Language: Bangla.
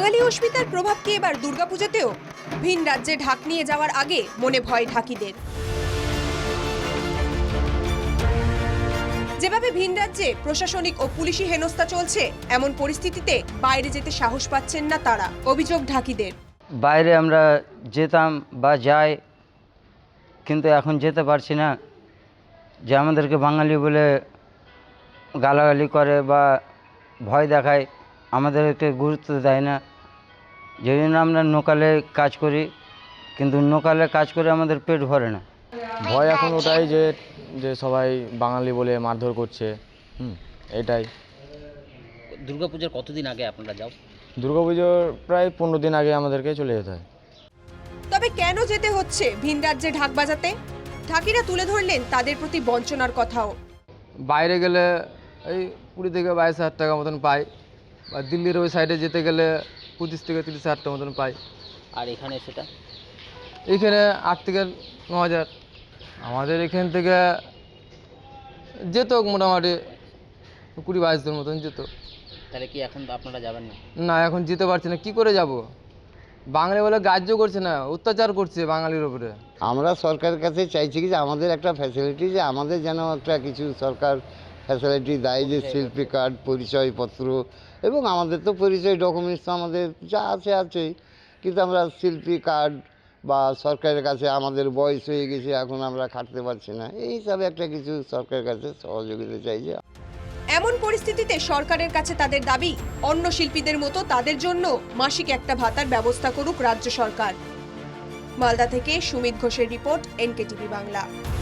বাঙালি অস্মিতার প্রভাব কি এবার দুর্গাপূজাতেও? ভিন রাজ্যে ঢাক নিয়ে যাওয়ার আগে মনে ভয় ঢাকিদের। যেভাবে ভিন রাজ্যে প্রশাসনিক ও পুলিশি হেনস্থা চলছে, এমন পরিস্থিতিতে বাইরে যেতে সাহস পাচ্ছেন না তারা। অভিযোগ ঢাকিদের। বাইরে আমরা যেতাম বা যাই, কিন্তু এখন যেতে পারছি না। যে আমাদেরকে বাঙালি বলে গালাগালি করে বা ভয় দেখায়, আমাদেরকে গুরুত্ব দেয় না। যে জন্য আমরা লোকালে কাজ করি, কিন্তু লোকালে কাজ করে আমাদের পেট ভরে না। ভয় এখন ওটাই যে যে সবাই বাঙালি বলে মারধর করছে, এটাই। দুর্গাপূজার কতদিন আগে আপনারা যাও? দুর্গাপুজোর প্রায় 15 দিন আগে আমাদেরকে চলে যেতে হয়। তবে কেন যেতে হচ্ছে ভিন রাজ্যে ঢাক বাজাতে? ঢাকিরা তুলে ধরলেন তাদের প্রতি বঞ্চনার কথাও। বাইরে গেলে এই 20 থেকে 22 হাজার টাকা মতন পাই, বা দিল্লির ওই সাইডে যেতে গেলে 25 থেকে 30 হাজার টাকা মতন পাই। আর এখানে সেটা এইখানে 8 থেকে 9 হাজার। আমাদের এখান থেকে যেত মোটামুটি 20-22 দিন মতন যেত। তাহলে কি এখন আপনারা যাবেন না? না, এখন যেতে পারছি না, কি করে যাব? বাঙালি বলে গ্রাহ্য করছে না, অত্যাচার করছে বাঙালির উপরে। আমরা সরকারের কাছে চাইছি কি যে আমাদের একটা ফ্যাসিলিটি, যে আমাদের যেন একটা কিছু সরকার ফ্যাসিলিটি দেয়, যে শিল্পী কার্ড, পরিচয়পত্র, এবং আমাদের তো পরিচয় ডকুমেন্টস তো আমাদের যা আছে আছেই, কিন্তু আমরা শিল্পী কার্ড বা সরকারের কাছে আমাদের বয়স হয়ে গেছে, এখন আমরা খাটতে পারছি না, এই হিসাবে একটা কিছু সরকারের কাছে সহযোগিতা চাইছি। এমন পরিস্থিতিতে সরকারের কাছে তাদের দাবি, অন্য শিল্পীদের মতো তাদের জন্য মাসিক একটা ভাতার ব্যবস্থা করুক রাজ্য সরকার। মালদা থেকে সুমিত ঘোষের রিপোর্ট, NKTV বাংলা।